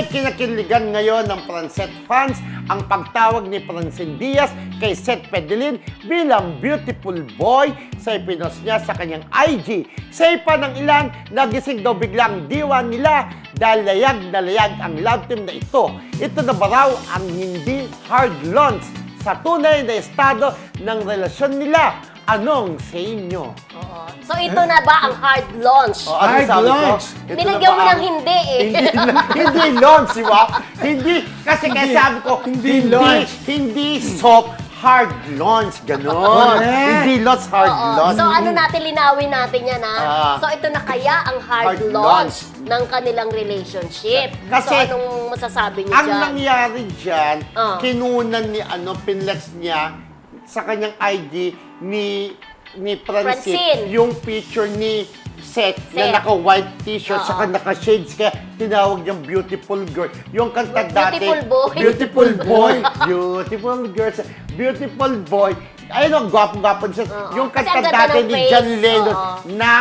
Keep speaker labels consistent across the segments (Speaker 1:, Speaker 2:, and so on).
Speaker 1: kinakiligan ngayon ng Francet fans ang pagtawag ni Francine Diaz kay Seth Pedelin bilang beautiful boy sa ipinost niya sa kanyang IG. Sa ipa ng ilan, nagising daw biglang diwa nila dahil layag na layag ang love team na ito. Ito na ba raw ang hindi hard launch sa tunay na estado ng relasyon nila? Anong sa inyo?
Speaker 2: Oo. So ito na ba ang hard launch?
Speaker 1: Ano
Speaker 3: Hard
Speaker 1: sabi ko?
Speaker 3: launch.
Speaker 1: Ito
Speaker 2: Nilagyan
Speaker 1: na
Speaker 2: mo
Speaker 1: ba
Speaker 2: ng
Speaker 1: ang-
Speaker 2: hindi eh.
Speaker 1: Hindi launch, di ba? Hindi, kasi kaya sabi ko,
Speaker 3: Hindi launch.
Speaker 1: Hindi soft, hard launch, gano'n.
Speaker 3: Correct.
Speaker 1: Hindi launch, hard
Speaker 2: Oo.
Speaker 1: launch.
Speaker 2: So ano natin, linawin natin yan ha. So ito na kaya ang hard
Speaker 1: Hard
Speaker 2: launch ng kanilang relationship.
Speaker 1: Kasi,
Speaker 2: so anong masasabi niyo
Speaker 1: Ang
Speaker 2: dyan?
Speaker 1: nangyari dyan,
Speaker 2: Ah.
Speaker 1: kinunan ni, pinlex niya sa kanyang IG ni Francine,
Speaker 2: Francine.
Speaker 1: yung picture ni Seth
Speaker 2: Seth.
Speaker 1: na naka-white t-shirt,
Speaker 2: Oo.
Speaker 1: saka naka-shades, kaya tinawag niyang beautiful girl. Yung kanta dati,
Speaker 2: Beautiful boy.
Speaker 1: Beautiful boy. Beautiful girls. Beautiful boy. Ayun ang gwapong-gwapong siya.
Speaker 2: Oo.
Speaker 1: Yung
Speaker 2: Kasi
Speaker 1: kanta
Speaker 2: ang ganda
Speaker 1: dati
Speaker 2: ng
Speaker 1: ni
Speaker 2: face.
Speaker 1: John Lennon
Speaker 2: Oo.
Speaker 1: ng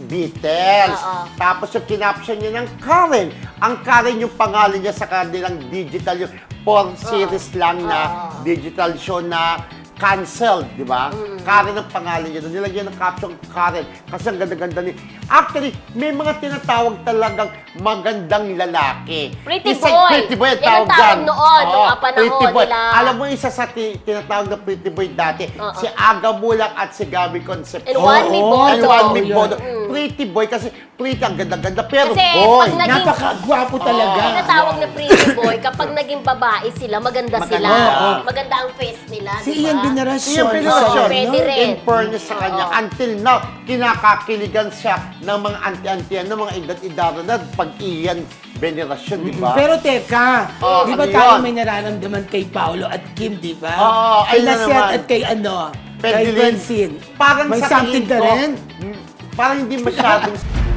Speaker 1: Beatles.
Speaker 2: Oo.
Speaker 1: Tapos yung kinaption niya ng Karen. Ang Karen yung pangalan niya sa kanilang digital, yung 4 series lang na digital show na canceled, di ba? Karen ang pangalan niya. Nilagyan ng caption Karen kasi ang ganda-ganda ni... Actually, may mga tinatawag talagang magandang lalaki.
Speaker 2: Pretty
Speaker 1: Isang
Speaker 2: boy.
Speaker 1: Pretty boy ang
Speaker 2: Yan ang
Speaker 1: tawag
Speaker 2: tawag
Speaker 1: dyan.
Speaker 2: noon, nung
Speaker 1: Oo,
Speaker 2: panahon
Speaker 1: pretty boy.
Speaker 2: nila.
Speaker 1: Alam mo, isa sa tinatawag na pretty boy dati, si Aga Mulak at si Gabby Concepcion.
Speaker 2: And Juanmi
Speaker 1: Oo,
Speaker 2: Bodo.
Speaker 1: and Juanmi
Speaker 3: Oo,
Speaker 1: Bodo. Pretty boy kasi pretty, ang ganda-ganda, pero
Speaker 2: Kasi
Speaker 1: boy.
Speaker 2: pag naging-
Speaker 3: Napakagwapo talaga.
Speaker 2: Tinatawag na pretty boy kapag naging babae sila, maganda sila.
Speaker 1: Maganda.
Speaker 2: Maganda ang face nila,
Speaker 3: Si
Speaker 2: di ba?
Speaker 3: Ian Veneracion.
Speaker 1: Yung pinasyon,
Speaker 2: Pwede rin.
Speaker 1: in fairness sa kanya, until now, kinakakiligan siya ng mga anti-antian, ng mga edad-idaran na pag-iyan venerasyon, di ba?
Speaker 3: Pero teka,
Speaker 1: Oh,
Speaker 3: di ba
Speaker 1: ano
Speaker 3: tayo
Speaker 1: yun?
Speaker 3: may nararamdaman kay Paolo at Kim, di ba?
Speaker 1: Oo,
Speaker 3: Kay
Speaker 1: ayun na
Speaker 3: Nasset
Speaker 1: naman.
Speaker 3: at kay kay
Speaker 1: Pedelin.
Speaker 3: Francine.
Speaker 1: Parang
Speaker 3: May
Speaker 1: sa
Speaker 3: something
Speaker 1: tingin
Speaker 3: ka
Speaker 1: ko,
Speaker 3: rin?
Speaker 1: Parang hindi masyadong